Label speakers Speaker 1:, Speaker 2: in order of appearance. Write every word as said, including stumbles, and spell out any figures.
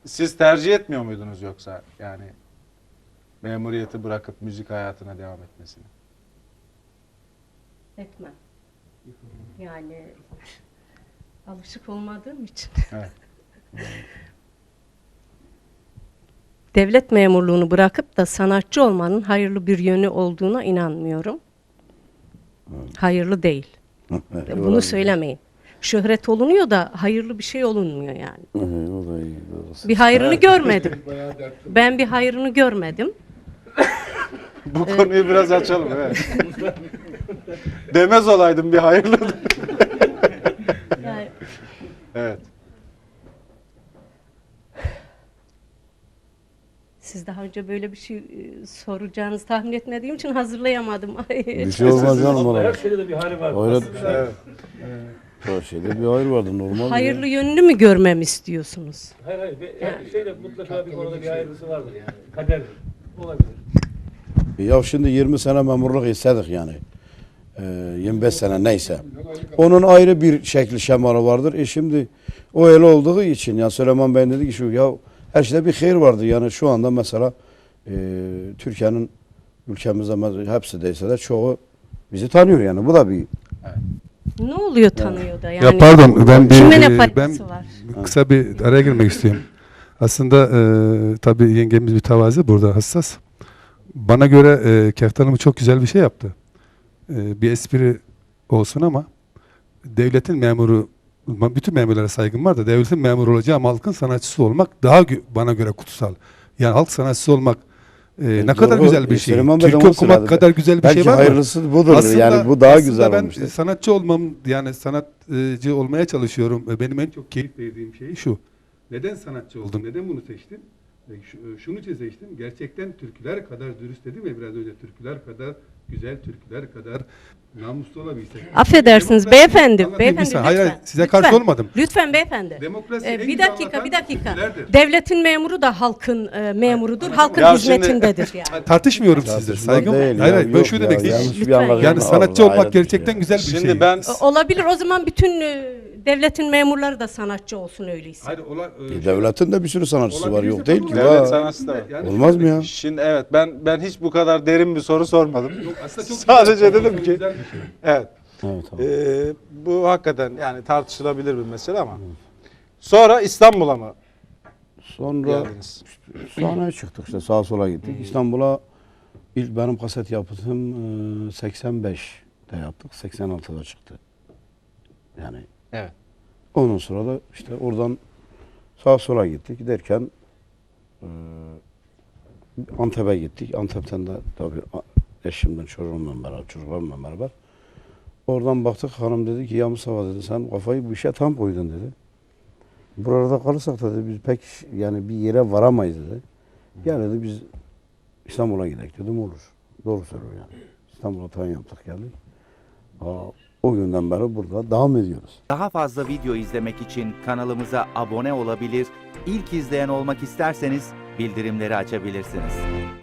Speaker 1: Siz tercih etmiyor muydunuz yoksa yani memuriyeti bırakıp müzik hayatına devam etmesini?
Speaker 2: Etmem. Yani alışık olmadığım için.
Speaker 1: Evet.
Speaker 2: Devlet memurluğunu bırakıp da sanatçı olmanın hayırlı bir yönü olduğuna inanmıyorum. Hayırlı değil. Bunu söylemeyin. Şöhret olunuyor da hayırlı bir şey olunmuyor yani.
Speaker 3: O da iyi. Doğrusu.
Speaker 2: Bir hayrını görmedim. Ben bir hayrını görmedim.
Speaker 1: Bu konuyu biraz açalım. Evet. Demez olaydım bir hayırlı.
Speaker 2: Yani
Speaker 1: Evet.
Speaker 2: siz daha önce böyle bir şey e, soracağınızı tahmin etmediğim için hazırlayamadım.
Speaker 3: Bir şey olmaz canım
Speaker 4: Her
Speaker 3: ona.
Speaker 4: şeyde de bir hali var.
Speaker 3: Öyle
Speaker 4: Aslında
Speaker 3: her şeyde bir hayır vardı normal.
Speaker 2: Hayırlı yönünü mü görmemi istiyorsunuz?
Speaker 4: Hayır hayır. Bir- Her şeyde mutlaka bir konuda bir hayırlısı vardır yani. Kader olabilir.
Speaker 3: Ya şimdi yirmi sene memurluk istedik yani. Ee, yirmi beş sene neyse. Onun ayrı bir şekli şemalı vardır. E şimdi o öyle olduğu için ya Süleyman Bey dedi ki şu ya her şeyde bir hayır vardı. Yani şu anda mesela e, Türkiye'nin ülkemizde me- hepsi değilse de çoğu bizi tanıyor yani. Bu da bir
Speaker 2: Ne oluyor tanıyor da yani?
Speaker 5: Ya pardon ben bir
Speaker 2: Kime ne
Speaker 5: e,
Speaker 2: faydası
Speaker 5: ben
Speaker 2: var?
Speaker 5: kısa bir araya girmek istiyorum. Aslında e, tabii yengemiz bir tevazi burada hassas. Bana göre e, Keftan Hanım çok güzel bir şey yaptı. E, bir espri olsun ama devletin memuru, bütün memurlara saygım var da devletin memuru olacağı ama halkın sanatçısı olmak daha gö- bana göre kutsal. Yani halk sanatçısı olmak e, ne
Speaker 3: doğru.
Speaker 5: kadar güzel bir
Speaker 3: E,
Speaker 5: şey.
Speaker 3: Süleyman Bey de
Speaker 5: Türkü
Speaker 3: onu
Speaker 5: okumak
Speaker 3: söyledi.
Speaker 5: kadar güzel bir
Speaker 3: belki
Speaker 5: şey var mı?
Speaker 3: hayırlısı budur. yani bu daha
Speaker 5: aslında
Speaker 3: güzel
Speaker 5: ben
Speaker 3: olmuştu.
Speaker 5: sanatçı olmam yani sanatçı olmaya çalışıyorum. E, Benim en çok keyif verdiğim şey şu. Neden sanatçı oldum? Neden bunu seçtim? E, şu- Şunu için seçtim. Gerçekten türküler kadar dürüst dedim ya biraz önce. Türküler kadar güzel, türküler kadar namuslu olabilsek.
Speaker 2: Affedersiniz
Speaker 5: Demokrasi-
Speaker 2: beyefendi,
Speaker 5: Anlatayım
Speaker 2: beyefendi
Speaker 5: bir
Speaker 2: lütfen.
Speaker 5: saniye. Hayır, hayır, size karşı
Speaker 2: Lütfen.
Speaker 5: olmadım.
Speaker 2: Lütfen beyefendi.
Speaker 5: Demokrasi
Speaker 2: Ee,
Speaker 5: en
Speaker 2: bir
Speaker 5: güzel
Speaker 2: dakika,
Speaker 5: anlatan
Speaker 2: bir dakika.
Speaker 5: türkülerdir.
Speaker 2: Devletin memuru da halkın e, memurudur, halkın
Speaker 1: Ya şimdi-
Speaker 2: hizmetindedir yani.
Speaker 5: Tartışmıyorum sizle.
Speaker 3: Tartışma
Speaker 5: Saygım.
Speaker 3: değil
Speaker 5: Hayır,
Speaker 3: ya,
Speaker 5: hayır. Ben
Speaker 3: yok
Speaker 5: şunu
Speaker 3: ya,
Speaker 5: demek
Speaker 3: yanlış
Speaker 5: istiyorum.
Speaker 3: bir
Speaker 2: Lütfen.
Speaker 3: anlaşılma
Speaker 5: Yani
Speaker 3: var,
Speaker 5: sanatçı
Speaker 3: hayret
Speaker 5: olmak
Speaker 3: bir şey
Speaker 5: gerçekten
Speaker 3: ya.
Speaker 5: güzel bir şey.
Speaker 1: Şimdi ben
Speaker 2: O- Olabilir, o zaman bütün e, devletin memurları da sanatçı olsun öyleyse.
Speaker 5: Hayır, ola, e,
Speaker 3: E, devletin de bir sürü sanatçısı var. Yok değil ki.
Speaker 1: Devlet
Speaker 3: Var.
Speaker 1: sanatçısı da var.
Speaker 5: Yani
Speaker 3: Olmaz
Speaker 5: şöyle-
Speaker 3: mı ya?
Speaker 1: Şimdi evet ben ben hiç bu kadar derin bir soru sormadım.
Speaker 5: Yok, aslında çok
Speaker 1: Sadece
Speaker 5: güzel,
Speaker 1: dedim
Speaker 5: çok
Speaker 1: ki-
Speaker 5: güzel bir şey.
Speaker 1: Evet.
Speaker 3: Evet, tamam.
Speaker 1: Ee, bu hakikaten yani tartışılabilir bir mesele ama. Sonra İstanbul'a mı
Speaker 3: Sonra
Speaker 1: geldiniz?
Speaker 3: sahneye çıktık işte sağa sola gittik. İstanbul'a ilk benim kaset yaptığım e, seksen beşte yaptık. seksen altıda çıktı. Yani
Speaker 1: Evet.
Speaker 3: ondan sonra da işte oradan sağa sola gittik derken e, Antep'e gittik. Antep'ten de tabii a- eşimden çocuğumla beraber, çocuklarımla beraber. Oradan baktık hanım dedi ki ya Mustafa dedi sen kafayı bu işe tam koydun dedi. Burada kalırsak dedi biz pek yani bir yere varamayız dedi. Gel dedi biz İstanbul'a gidelim dedim olur. Doğru söylüyor yani. İstanbul'a tayin yaptık geldik. Aa, o günden beri burada devam ediyoruz.
Speaker 6: Daha fazla video izlemek için kanalımıza abone olabilir, ilk izleyen olmak isterseniz bildirimleri açabilirsiniz.